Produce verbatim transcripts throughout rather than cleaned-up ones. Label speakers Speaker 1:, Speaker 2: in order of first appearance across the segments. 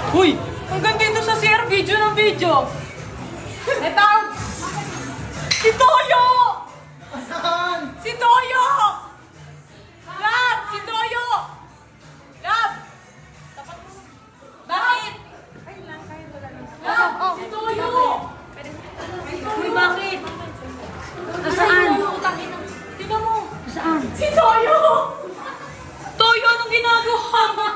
Speaker 1: Uy! Hanggang dito sa C R, video ng video! Eto! Si Toyo!
Speaker 2: Saan?
Speaker 1: Si Toyo! Lab! Si Toyo! Lab! Bakit? Lab! Si Toyo! Uy, bakit? Nasaan? Tingnan mo!
Speaker 3: Saan?
Speaker 1: Si Toyo! Toyo, anong ginagawa mo?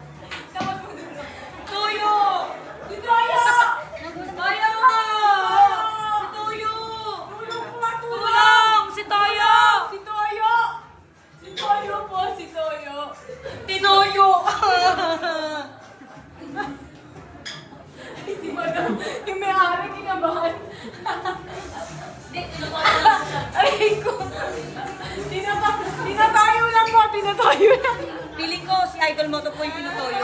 Speaker 1: Toyo! Si Toyo! Toyo! Si Toyo! Tulong! Si Toyo! Si Toyo! Si Toyo po, si Toyo! Tinoyo! Ay, si Madam, yung may-ari kinabahan. Ay, ko! Tinata tinatayo lang po, tinatayo lang.
Speaker 3: Piling ko si Idol Moto po yung pinutoyo.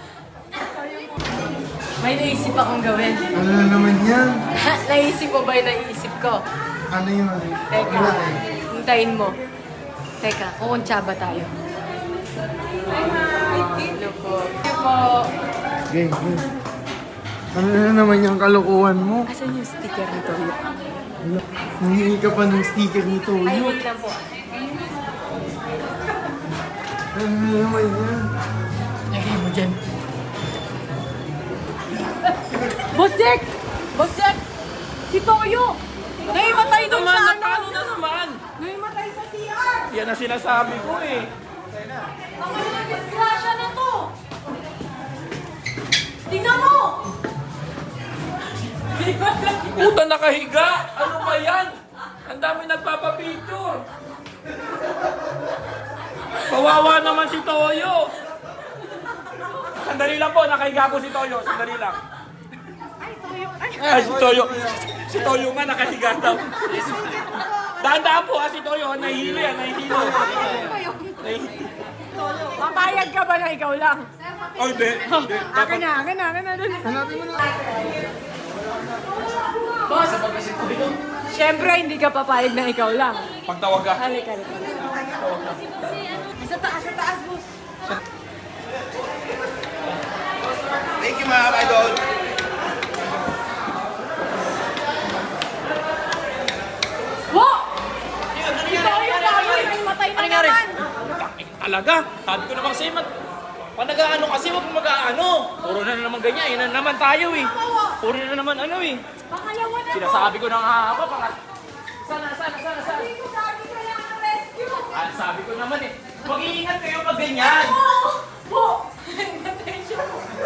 Speaker 1: May naisip akong gawin.
Speaker 2: Ano na naman yan?
Speaker 1: Naisip ko ba yung naisip ko?
Speaker 2: Ano yun?
Speaker 1: Teka,
Speaker 2: Wala eh.
Speaker 1: hintayin mo. Teka, kukuntsaba tayo. Hello po. Hello po.
Speaker 2: Game, game. Ano na naman yung kalukuhan mo?
Speaker 1: Asan yung sticker nito?
Speaker 2: Wala. Nangingi ka pa ng sticker nito.
Speaker 1: Ay,
Speaker 2: Yun.
Speaker 1: wait lang po.
Speaker 2: Ano na naman yan?
Speaker 1: Lagay mo dyan. Boss Jack! Boss Jack! Si Toyo! Naimatay doon sa ano?
Speaker 4: Paano na naman?
Speaker 1: Naimatay sa C R!
Speaker 4: Yan ang sinasabi ko eh.
Speaker 1: Ang ano na disgrasya na to! Tingnan mo!
Speaker 4: Puta nakahiga! Ano ba yan? Ang dami nagpapapicture. Kawawa naman si Toyo. Sandali lang po, nakahiga po si Toyo. Sandali lang. Ay, si Toyo. Si Toyo nga nakahiga daw. Daan-daan po ha, si Toyo. Nahihilo yan, nahihilo. Nahihilo.
Speaker 1: Papayag ka ba na ikaw lang?
Speaker 4: Oh, hindi. Hindi.
Speaker 1: Akin na, akin na, akin na. Dali.
Speaker 2: Hanapin mo na.
Speaker 1: Boss! Siyempre, hindi ka papayag na ikaw lang.
Speaker 4: Pagtawag ka.
Speaker 1: Halik, halik. Sa taas, sa taas, boss.
Speaker 4: Thank you, mga idol.
Speaker 1: Wo! Ito yung tayo, may matay na naman.
Speaker 4: Talaga? Sabi ko naman sa'yo, mat... Pag nag-ano kasi, huwag mo mag-ano. Puro na naman ganyan, yun na naman tayo eh. Puro na naman ano eh.
Speaker 1: Pangalawa na po.
Speaker 4: Sinasabi ko na nga pa, pang... Sana, sana, sana, sana.
Speaker 1: Hindi ko sabi kailangan rescue.
Speaker 4: Ah, sabi ko naman eh. Mag-iingat kayo pag ganyan.
Speaker 1: Oo! Po! Matay siya.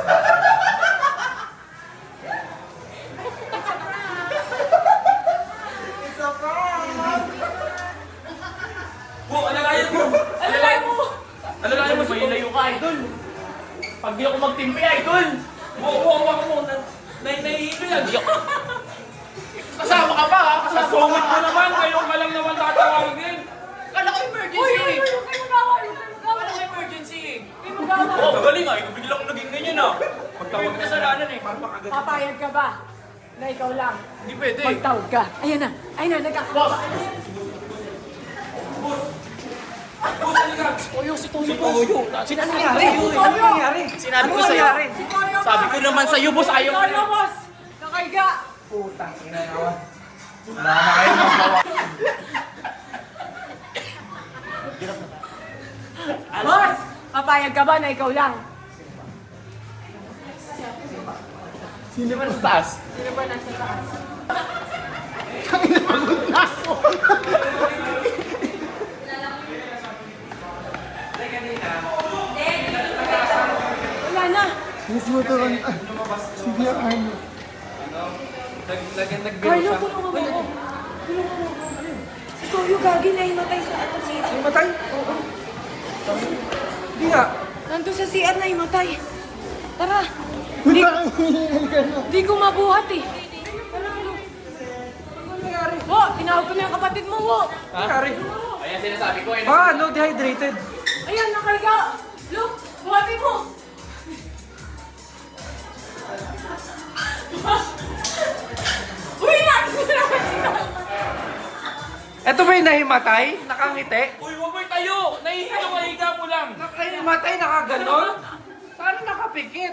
Speaker 4: Bu, alalayan mo.
Speaker 1: Alalayan mo!
Speaker 4: Alalayan mo, may layo ka, idol. Pag di ako magtimpi, idol. Bu, bu, hawa mo. Na- na- Nahihilo yan. Di ako. Kasama ka pa ha? Sa sungit mo naman, ngayon ka lang naman tatawagin. Kala ko
Speaker 1: Uy,
Speaker 4: emergency
Speaker 1: uy,
Speaker 4: eh.
Speaker 1: uy! Huwag kayo magawa! Huwag kayo magawa!
Speaker 4: Kala ko emergency eh.
Speaker 1: Huwag kayo magawa!
Speaker 4: Oo, oh, magaling ah. Biglang naging ganyan ah. Pagtawag ka sa lanan eh. Parang makagad.
Speaker 1: Papayag ka ba? Na ikaw lang.
Speaker 4: Hindi pwede.
Speaker 1: Magtawag ka. Ayan na. Ayan na. Nagkakababa.
Speaker 4: Boss, halika.
Speaker 1: Toyo, si Toyo.
Speaker 4: Si Toyo. Sinabi ko
Speaker 1: Ay, si Toyo.
Speaker 4: Sinabi ko sa'yo.
Speaker 1: Si Toyo.
Speaker 4: Sabi ko naman sa'yo, boss, ayaw
Speaker 1: Si
Speaker 4: mo
Speaker 1: Toyo,
Speaker 4: na.
Speaker 1: boss. Nakaiga.
Speaker 2: Putang ina naman. Wala na kayo magawa.
Speaker 1: Boss, papayag ka ba na ikaw lang?
Speaker 4: Sino ba nasa taas?
Speaker 1: Sino ba nasa taas? Wala na.
Speaker 2: Yes, mo ito kan. Sige, ano.
Speaker 1: Carlo, tulungan mo ako. Tulungan mo ako. Si Toyo gagi na himatay sa ano C R.
Speaker 2: Matay?
Speaker 1: Oo.
Speaker 2: Hindi nga.
Speaker 1: Nandun sa C R na himatay. Tara.
Speaker 2: Hindi ka na.
Speaker 1: Di ko mabuhat eh. Tara, Lo. Ano nangyari? Wo, tinawag ko na yung kapatid mo, Wo.
Speaker 2: Nangyari.
Speaker 4: Ayan sinasabi ko. Ayan.
Speaker 2: Ah, no, dehydrated.
Speaker 1: Ayan, nakarga. Look, buhati mo. Uy, nakikita naman sila.
Speaker 2: Ito ba yung nahimatay? Nakangiti?
Speaker 4: Uy, huwag mo tayo! Nahihilo ka, higa mo lang!
Speaker 2: Nakahimatay, nakaganon? Paano nakapit?
Speaker 4: pikit.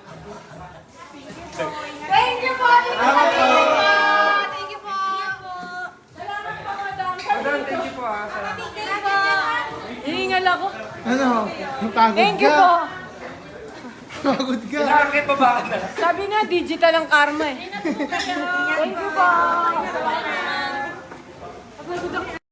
Speaker 1: Thank you po! Thank you po! Thank you po! Salamat po, madam.
Speaker 4: Madam, thank you po ah.
Speaker 1: Thank you po! Hihingal ako.
Speaker 2: Ano? Pagod
Speaker 1: Thank you
Speaker 2: ka.
Speaker 1: po!
Speaker 2: Pagod ka.
Speaker 4: Nakakit pa ba ka na?
Speaker 1: Sabi nga, digital ang karma eh. Thank you po!